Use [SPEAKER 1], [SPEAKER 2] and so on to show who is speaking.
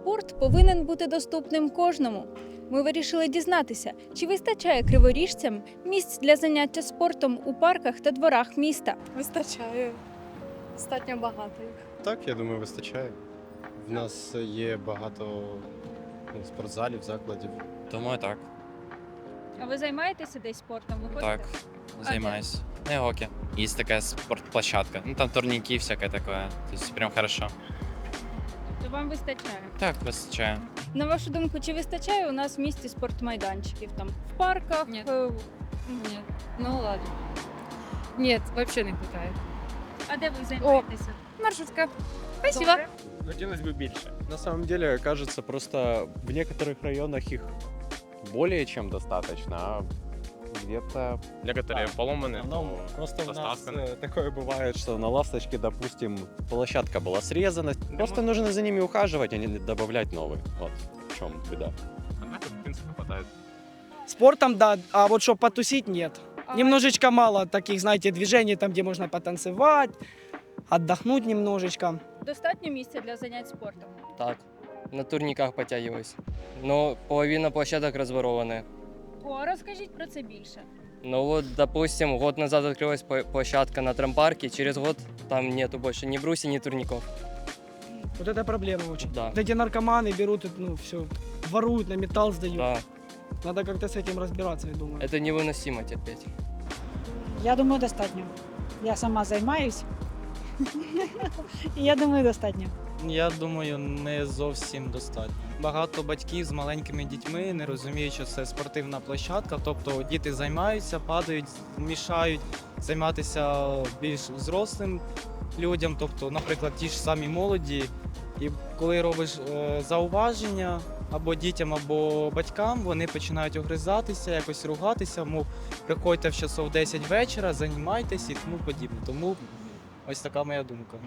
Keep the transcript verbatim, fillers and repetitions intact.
[SPEAKER 1] Спорт повинен бути доступним кожному. Ми вирішили дізнатися, чи вистачає криворіжцям місць для заняття спортом у парках та дворах міста.
[SPEAKER 2] Вистачає. Достатньо багато їх.
[SPEAKER 3] Так, я думаю, вистачає. В нас є багато ну, спортзалів, закладів.
[SPEAKER 4] Думаю, так.
[SPEAKER 1] А ви займаєтеся десь спортом? Ви ходите?
[SPEAKER 4] Так, займаюсь. На йоге. Есть такая спортплощадка. Ну, там турники и всякое такое. То есть прям хорошо.
[SPEAKER 1] То вам вистачає.
[SPEAKER 4] Так, выстачаю.
[SPEAKER 1] На вашу думку, чи вистачає у нас в місті спортмайданчиків там в парках?
[SPEAKER 2] Ні.
[SPEAKER 1] е,
[SPEAKER 2] Нет. Ну ладно. Нет, вообще не хватает.
[SPEAKER 1] А де ви займаєтеся?
[SPEAKER 2] Маршрутка.
[SPEAKER 1] Добре.
[SPEAKER 5] Хотелось бы больше.
[SPEAKER 3] На самом деле, кажется, просто в некоторых районах их более чем достаточно, а где-то...
[SPEAKER 5] Некоторые поломаны.
[SPEAKER 3] Ну, просто у нас
[SPEAKER 5] доставками.
[SPEAKER 3] э, такое бывает, что на ласточке, допустим, площадка была срезана. Просто нужно за ними ухаживать, а не добавлять новые. Вот в чем беда.
[SPEAKER 5] А так, в принципе, хватает.
[SPEAKER 6] Спортом, да, а вот чтобы потусить, нет.
[SPEAKER 1] А
[SPEAKER 6] Немножечко мало таких, знаете, движений, там, где можно потанцевать, отдохнуть немножечко.
[SPEAKER 1] Достатньо місця для занять спортом?
[SPEAKER 7] Так, на турниках подтягиваюсь. Но половина площадок разворованы.
[SPEAKER 1] О, розкажіть про це більше.
[SPEAKER 7] Ну вот, допустим, год назад открылась пла- площадка на трампарке, через год там нету больше ни брусьев, ни турников.
[SPEAKER 6] Вот это проблема очень.
[SPEAKER 7] Да.
[SPEAKER 6] Вот эти наркоманы берут, ну, все, воруют, на металл сдают.
[SPEAKER 7] Да,
[SPEAKER 6] Надо как-то с этим разбираться, я думаю.
[SPEAKER 7] это невыносимо терпеть.
[SPEAKER 8] Я думаю, достатньо. Я сама займаюсь. І я думаю, достатньо.
[SPEAKER 9] Я думаю, не зовсім достатньо. Багато батьків з маленькими дітьми не розуміють, що це спортивна площадка. Тобто діти займаються, падають, мішають займатися більш взрослим людям, тобто, наприклад, ті ж самі молоді. І коли робиш е, зауваження або дітям, або батькам, вони починають огризатися, якось ругатися, мов приходьте в часов десять вечора, займайтесь і тому подібне. Тому ось така моя думка.